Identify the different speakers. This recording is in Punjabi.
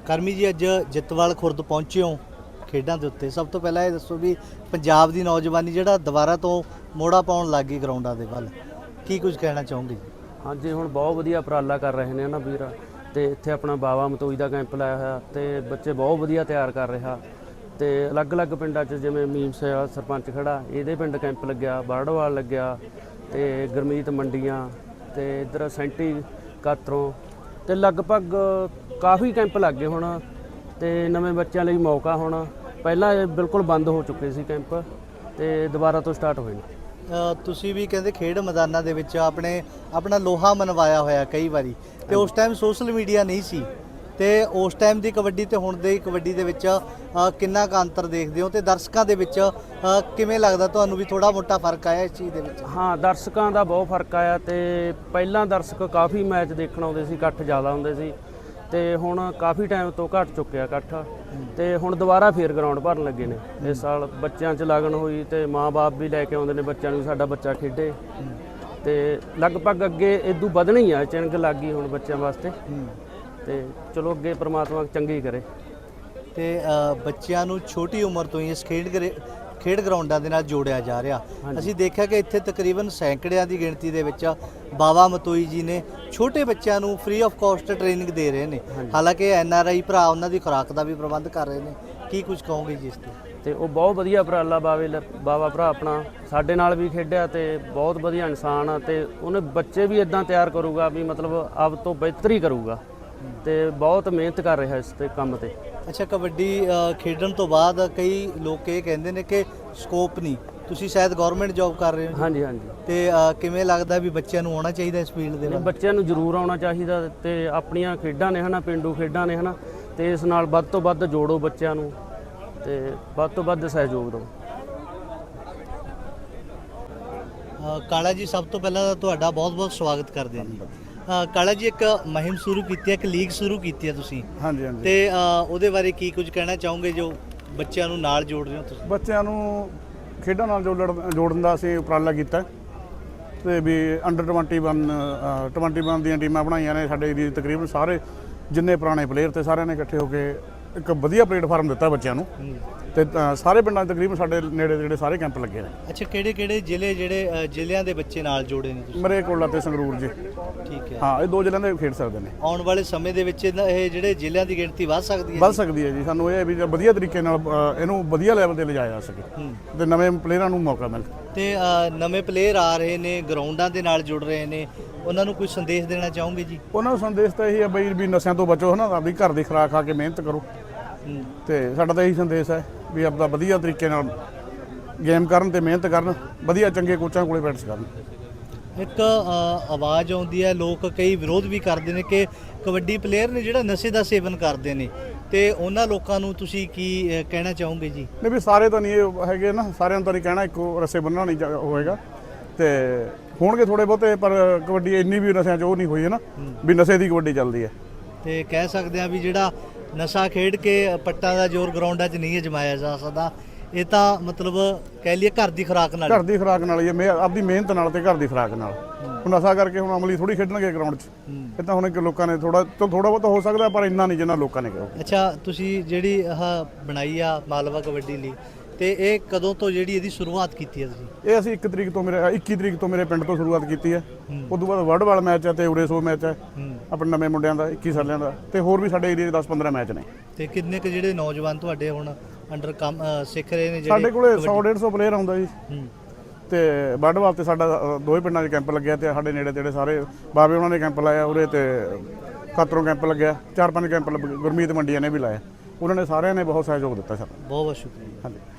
Speaker 1: ਕਰਮੀ जी अज जितवाल खुर्द पहुंचे हो खेडों के उत्ते, सब तो पहला ये दसो भी पंजाब की नौजवानी जिहड़ा दोबारा तो मोड़ा पाउण लग गई ग्राउंडां दे वल, की कुछ कहना चाहोगे जी?
Speaker 2: हाँ जी, हुण बहुत वधिया उपराला कर रहे हैं ना वीर, तो इत्थे अपना बावा मतोई का कैंप लाया होया तो बच्चे बहुत वधिया तैयार कर रहा। तो अलग अलग पिंडां च जिवें मीमस सरपंच खड़ा इहदे पिंड कैंप लग्या, बाड़वाल लग्या, तो गुरमीत मंडियां, तो इधर सेंटी कातरों, तो लगभग काफ़ी कैंप लग गए हुण। तो नਵੇਂ ਬੱਚਿਆਂ ਲਈ मौका हुण, ਪਹਿਲਾਂ ਇਹ ਬਿਲਕੁਲ ਬੰਦ ਹੋ ਚੁੱਕੇ ਸੀ ਕੈਂਪ ਤੇ ਦੁਬਾਰਾ ਤੋਂ ਸਟਾਰਟ ਹੋਏ ਨੇ।
Speaker 1: ਤੁਸੀਂ ਵੀ ਕਹਿੰਦੇ ਖੇਡ ਮੈਦਾਨਾਂ ਦੇ ਵਿੱਚ ਆਪਣਾ ਲੋਹਾ ਮਨਵਾਇਆ ਹੋਇਆ ਕਈ ਵਾਰੀ, ਤੇ ਉਸ ਟਾਈਮ ਸੋਸ਼ਲ ਮੀਡੀਆ ਨਹੀਂ ਸੀ, ਤੇ ਉਸ ਟਾਈਮ ਦੀ ਕਬੱਡੀ ਤੇ ਹੁਣ ਦੀ ਕਬੱਡੀ ਦੇ ਵਿੱਚ ਕਿੰਨਾ ਕੁ ਅੰਤਰ ਦੇਖਦੇ ਹੋ, ਤੇ ਦਰਸ਼ਕਾਂ ਦੇ ਵਿੱਚ ਕਿਵੇਂ ਲੱਗਦਾ ਤੁਹਾਨੂੰ ਵੀ ਥੋੜਾ ਮੋਟਾ ਫਰਕ ਆਇਆ ਇਸ ਚੀਜ਼ ਦੇ ਵਿੱਚ?
Speaker 2: ਹਾਂ, ਦਰਸ਼ਕਾਂ ਦਾ ਬਹੁਤ ਫਰਕ ਆਇਆ, ਤੇ ਪਹਿਲਾਂ ਦਰਸ਼ਕ ਕਾਫੀ ਮੈਚ ਦੇਖਣ ਆਉਂਦੇ ਸੀ, ਇਕੱਠ ਜ਼ਿਆਦਾ ਹੁੰਦੇ ਸੀ, ਤੇ ਹੁਣ ਕਾਫੀ ਟਾਈਮ ਤੋਂ ਘਟ ਚੁੱਕਿਆ ਇਕੱਠ, ਤੇ ਹੁਣ ਦੁਬਾਰਾ ਫੇਰ ਗਰਾਊਂਡ ਭਰਨ ਲੱਗੇ ਨੇ। ਇਸ ਸਾਲ ਬੱਚਿਆਂ 'ਚ ਲਗਨ ਹੋਈ, ਤੇ ਮਾਂ-ਬਾਪ ਵੀ ਲੈ ਕੇ ਆਉਂਦੇ ਨੇ ਬੱਚਿਆਂ ਨੂੰ, ਸਾਡਾ ਬੱਚਾ ਖੇਡੇ, ਤੇ ਲਗਭਗ ਅੱਗੇ ਇਦੋਂ ਵਧਣਾ ਹੀ ਆ, ਚਿੰਗ ਲੱਗ ਗਈ ਹੁਣ ਬੱਚਿਆਂ ਵਾਸਤੇ, ਤੇ ਚਲੋ ਅੱਗੇ ਪ੍ਰਮਾਤਮਾ ਚੰਗੀ ਕਰੇ।
Speaker 1: ਤੇ ਬੱਚਿਆਂ ਨੂੰ ਛੋਟੀ ਉਮਰ ਤੋਂ ਹੀ ਇਸ ਖੇਡ ਗਰਾਊਂਡਾਂ ਦੇ ਨਾਲ ਜੋੜਿਆ ਜਾ ਰਿਹਾ। ਅਸੀਂ ਦੇਖਿਆ ਕਿ ਇੱਥੇ ਤਕਰੀਬਨ ਸੈਂਕੜਿਆਂ ਦੀ ਗਿਣਤੀ ਦੇ ਵਿੱਚ ਬਾਵਾ ਮਤੋਈ ਜੀ ਨੇ ਛੋਟੇ ਬੱਚਿਆਂ ਨੂੰ ਫ੍ਰੀ ਆਫ ਕਾਸਟ ਟ੍ਰੇਨਿੰਗ ਦੇ ਰਹੇ ਨੇ, ਹਾਲਾਂਕਿ NRI ਭਰਾ ਉਹਨਾਂ ਦੀ ਖੁਰਾਕ ਦਾ ਵੀ ਪ੍ਰਬੰਧ ਕਰ ਰਹੇ ਨੇ, ਕੀ ਕੁਝ ਕਹੋਗੇ ਜੀ ਇਸ ਤੇ?
Speaker 2: ਤੇ ਉਹ ਬਹੁਤ ਵਧੀਆ ਉਪਰਾਲਾ ਬਾਵਾ ਭਰਾ ਆਪਣਾ ਸਾਡੇ ਨਾਲ ਵੀ ਖੇਡਿਆ, ਤੇ ਬਹੁਤ ਵਧੀਆ ਇਨਸਾਨ ਆ, ਤੇ ਉਹਨੇ ਬੱਚੇ ਵੀ ਇਦਾਂ ਤਿਆਰ ਕਰੂਗਾ ਵੀ ਮਤਲਬ ਆਪ ਤੋਂ ਬਿਹਤਰ ਹੀ ਕਰੂਗਾ, ਤੇ ਬਹੁਤ ਮਿਹਨਤ ਕਰ ਰਿਹਾ ਇਸ ਤੇ ਕੰਮ ਤੇ।
Speaker 1: ਅੱਛਾ, ਕਬੱਡੀ ਖੇਡਣ ਤੋਂ ਬਾਅਦ ਕਈ ਲੋਕ ਇਹ ਕਹਿੰਦੇ ਨੇ ਕਿ ਸਕੋਪ ਨਹੀਂ, ਤੁਸੀਂ ਸ਼ਾਇਦ ਗਵਰਨਮੈਂਟ ਜੌਬ ਕਰ ਰਹੇ ਹੋ?
Speaker 2: ਹਾਂਜੀ ਹਾਂਜੀ।
Speaker 1: ਤੇ ਕਿਵੇਂ ਲੱਗਦਾ ਵੀ ਬੱਚਿਆਂ ਨੂੰ ਆਉਣਾ ਚਾਹੀਦਾ ਇਸ ਫੀਲਡ ਦੇ ਵਿੱਚ?
Speaker 2: ਬੱਚਿਆਂ ਨੂੰ ਜ਼ਰੂਰ ਆਉਣਾ ਚਾਹੀਦਾ, ਤੇ ਆਪਣੀਆਂ ਖੇਡਾਂ ਨੇ ਹਨਾ, ਪਿੰਡੂ ਖੇਡਾਂ ਨੇ ਹਨਾ, ਤੇ ਇਸ ਨਾਲ ਵੱਧ ਤੋਂ ਵੱਧ ਜੋੜੋ ਬੱਚਿਆਂ ਨੂੰ, ਤੇ ਵੱਧ ਤੋਂ ਵੱਧ ਸਹਿਯੋਗ ਦਿਓ।
Speaker 1: ਕਾਲਾ ਜੀ, ਸਭ ਤੋਂ ਪਹਿਲਾਂ ਤਾਂ ਤੁਹਾਡਾ ਬਹੁਤ-ਬਹੁਤ ਸਵਾਗਤ ਕਰਦੇ ਹਾਂ ਜੀ। ਕਾਲਾ ਜੀ, ਇੱਕ ਮੁਹਿੰਮ ਸ਼ੁਰੂ ਕੀਤੀ ਹੈ, ਇੱਕ ਲੀਗ ਸ਼ੁਰੂ ਕੀਤੀ ਹੈ ਤੁਸੀਂ?
Speaker 3: ਹਾਂਜੀ ਹਾਂਜੀ।
Speaker 1: ਤੇ ਉਹਦੇ ਬਾਰੇ ਕੀ ਕੁਝ ਕਹਿਣਾ ਚਾਹੋਗੇ ਜੋ ਬੱਚਿਆਂ ਨੂੰ ਨਾਲ ਜੋੜ ਰਹੇ ਹੋ ਤੁਸੀਂ?
Speaker 3: ਬੱਚਿਆਂ ਨੂੰ ਖੇਡਾਂ ਨਾਲ ਜੋੜਨ ਦਾ ਅਸੀਂ ਉਪਰਾਲਾ ਕੀਤਾ, ਤੇ ਵੀ ਅੰਡਰ 21 ਦੀਆਂ ਟੀਮਾਂ ਬਣਾਈਆਂ ਨੇ ਸਾਡੇ ਏਰੀਏ ਦੇ। ਤਕਰੀਬਨ ਸਾਰੇ ਜਿੰਨੇ ਪੁਰਾਣੇ ਪਲੇਅਰ ਤੇ ਸਾਰਿਆਂ ਨੇ ਇਕੱਠੇ ਹੋ ਕੇ ਇੱਕ ਵਧੀਆ ਪਲੇਟਫਾਰਮ ਦਿੱਤਾ ਬੱਚਿਆਂ ਨੂੰ, ਤੇ ਸਾਰੇ ਪਿੰਡਾਂ 'ਚ ਤਕਰੀਬਨ ਸਾਡੇ ਨੇੜੇ ਜਿਹੜੇ ਸਾਰੇ ਕੈਂਪ ਲੱਗੇ ਨੇ।
Speaker 1: ਅੱਛਾ, ਕਿਹੜੇ ਜ਼ਿਲ੍ਹਿਆਂ ਦੇ ਬੱਚੇ ਨਾਲ ਜੋੜੇ ਨੇ ਤੁਸੀਂ?
Speaker 3: ਮਰੇਕੋਲਾ ਤੇ ਸੰਗਰੂਰ ਜੀ।
Speaker 1: ਠੀਕ ਹੈ।
Speaker 3: ਹਾਂ, ਇਹ ਦੋ ਜ਼ਿਲ੍ਹਿਆਂ ਦੇ ਖੇਡ ਸਕਦੇ ਨੇ।
Speaker 1: ਆਉਣ ਵਾਲੇ ਸਮੇਂ ਦੇ ਵਿੱਚ ਇਹ ਜਿਹੜੇ ਜ਼ਿਲ੍ਹਿਆਂ ਦੀ ਗਿਣਤੀ ਵੱਧ ਸਕਦੀ ਹੈ?
Speaker 3: ਵੱਧ ਸਕਦੀ ਹੈ ਜੀ। ਸਾਨੂੰ ਇਹ ਹੈ ਵੀ ਵਧੀਆ ਤਰੀਕੇ ਨਾਲ ਇਹਨੂੰ ਵਧੀਆ ਲੈਵਲ ਤੇ ਲਿਜਾਇਆ ਜਾ ਸਕੇ, ਤੇ ਨਵੇਂ ਪਲੇਅਰਾਂ ਨੂੰ ਮੌਕਾ ਮਿਲੇ।
Speaker 1: ਤੇ ਨਵੇਂ ਪਲੇਅਰ ਆ ਰਹੇ ਨੇ, ਗਰਾਊਂਡਾਂ ਦੇ ਨਾਲ ਜੁੜ ਰਹੇ ਨੇ, ਉਹਨਾਂ ਨੂੰ ਕੋਈ ਸੰਦੇਸ਼ ਦੇਣਾ ਚਾਹੋਗੇ ਜੀ?
Speaker 3: ਉਹਨਾਂ ਨੂੰ ਸੰਦੇਸ਼ ਤਾਂ ਇਹੀ ਹੈ ਬਈ ਵੀ ਨਸ਼ਿਆਂ ਤੋਂ ਬਚੋ, ਹਨਾ, ਆਪਣੀ ਘਰ ਦੀ ਖੁਰਾਕ ਖਾ ਕੇ ਮਿਹਨਤ ਕਰੋ, ਤੇ ਸਾਡਾ ਤਾਂ ਇਹੀ ਸੰਦੇਸ਼ ਹੈ ਵੀ ਆਪਦਾ ਵਧੀਆ ਤਰੀਕੇ ਨਾਲ ਗੇਮ ਕਰਨ ਤੇ ਮਿਹਨਤ ਕਰਨ, ਵਧੀਆ ਚੰਗੇ ਕੋਚਾਂ ਕੋਲੇ ਪ੍ਰੈਕਟਿਸ ਕਰਨ। ਇੱਕ
Speaker 1: ਆਵਾਜ਼ ਆਉਂਦੀ ਹੈ, ਲੋਕ ਕਈ ਵਿਰੋਧ ਵੀ ਕਰਦੇ ਨੇ ਕਿ ਕਬੱਡੀ ਪਲੇਅਰ ਨੇ ਜਿਹੜਾ ਨਸ਼ੇ ਦਾ ਸੇਵਨ ਕਰਦੇ ਨੇ, ਤੇ ਉਹਨਾਂ ਲੋਕਾਂ ਨੂੰ ਤੁਸੀਂ ਕੀ ਕਹਿਣਾ ਚਾਹੋਗੇ ਜੀ?
Speaker 3: ਨਹੀਂ, ਵੀ ਸਾਰੇ ਤਾਂ ਨਹੀਂ ਇਹ ਹੈਗੇ ਨਾ, ਸਾਰਿਆਂ ਨੂੰ ਤਾਂ ਨਹੀਂ ਕਹਿਣਾ ਇੱਕੋ ਰੱਸੇ ਬੰਨ੍ਹਣਾ ਨਹੀਂ ਹੋਏਗਾ, ਤੇ ਹੋਣਗੇ ਥੋੜੇ ਬਹੁਤੇ, ਪਰ ਕਬੱਡੀ ਇੰਨੀ ਵੀ ਨਸ਼ਿਆਂ 'ਚ ਉਹ ਨਹੀਂ ਹੋਈ ਹੈ ਨਾ ਵੀ ਨਸ਼ੇ ਦੀ ਕਬੱਡੀ ਚੱਲਦੀ ਹੈ।
Speaker 1: ਤੇ ਕਹਿ ਸਕਦੇ ਆ ਵੀ ਜਿਹੜਾ ਨਸ਼ਾ ਖੇਡ ਕੇ ਪੱਟਾਂ ਦਾ ਜ਼ੋਰ ਗਰਾਊਂਡਾਂ 'ਚ ਨਹੀਂ ਅਜਮਾਇਆ ਜਾ ਸਕਦਾ, ਇਹ ਤਾਂ ਮਤਲਬ ਕਹਿ ਲਈਏ ਘਰ ਦੀ ਖੁਰਾਕ ਨਾਲ
Speaker 3: ਹੀ ਹੈ, ਆਪਦੀ ਮਿਹਨਤ ਨਾਲ ਤੇ ਘਰ ਦੀ ਖੁਰਾਕ ਨਾਲ। ਹੁਣ ਨਸ਼ਾ ਕਰਕੇ ਹੁਣ ਅਮਲੀ ਥੋੜੀ ਖੇਡਣਗੇ ਗਰਾਊਂਡ 'ਚ, ਇਹ ਤਾਂ ਹੁਣ ਲੋਕਾਂ ਨੇ ਥੋੜਾ ਬਹੁਤ ਹੋ ਸਕਦਾ, ਪਰ ਇੰਨਾ ਨਹੀਂ ਜਿੰਨਾ ਲੋਕਾਂ ਨੇ ਕਿਹਾ।
Speaker 1: ਅੱਛਾ, ਤੁਸੀਂ ਜਿਹੜੀ ਆਹ ਬਣਾਈ ਆ ਮਾਲਵਾ ਕਬੱਡੀ ਲੀਗ, ਤੇ ਇਹ ਕਦੋਂ ਤੋਂ ਜਿਹੜੀ ਇਹਦੀ ਸ਼ੁਰੂਆਤ ਕੀਤੀ ਹੈ ਤੁਸੀਂ?
Speaker 3: ਇਹ ਅਸੀਂ 21 ਤਰੀਕ ਤੋਂ ਮੇਰੇ ਪਿੰਡ ਤੋਂ ਸ਼ੁਰੂਆਤ ਕੀਤੀ ਹੈ। ਉਸ ਤੋਂ ਬਾਅਦ ਵਰਡਵਾਲ ਮੈਚ ਹੈ, ਤੇ ਉਰੇ 100 ਮੈਚ ਹੈ ਆਪਣੇ ਨਵੇਂ ਮੁੰਡਿਆਂ ਦਾ, 21 ਸਾਲਿਆਂ ਦਾ, ਤੇ ਹੋਰ ਵੀ ਸਾਡੇ ਏਰੀਏ ਦੇ 10-15 ਮੈਚ ਨੇ।
Speaker 1: ਤੇ ਕਿੰਨੇ ਕੁ ਜਿਹੜੇ ਨੌਜਵਾਨ ਤੁਹਾਡੇ ਹੁਣ ਅੰਡਰ ਕੰਮ ਸਿੱਖ ਰਹੇ ਨੇ?
Speaker 3: ਸਾਡੇ ਕੋਲੇ 100-150 ਪਲੇਅਰ ਆਉਂਦਾ ਜੀ, ਤੇ ਵਰਡਵਾਲ ਤੇ ਸਾਡਾ ਦੋਵੇਂ ਪਿੰਡਾਂ 'ਚ ਕੈਂਪ ਲੱਗਿਆ, ਤੇ ਸਾਡੇ ਨੇੜੇ ਤੇੜੇ ਸਾਰੇ ਬਾਬੇ ਉਹਨਾਂ ਨੇ ਕੈਂਪ ਲਾਇਆ ਉਰੇ, ਤੇ ਖਤਰੋਂ ਕੈਂਪ ਲੱਗਿਆ, 4-5 ਕੈਂਪ ਗੁਰਮੀਤ ਮੰਡੀਆਂ ਨੇ ਵੀ ਲਾਇਆ। ਉਹਨਾਂ ਨੇ ਸਾਰਿਆਂ ਨੇ ਬਹੁਤ ਸਹਿਯੋਗ ਦਿੱਤਾ ਸਾਡਾ।
Speaker 1: ਬਹੁਤ ਬਹੁਤ ਸ਼ੁਕਰੀਆ।
Speaker 3: ਹਾਂਜੀ।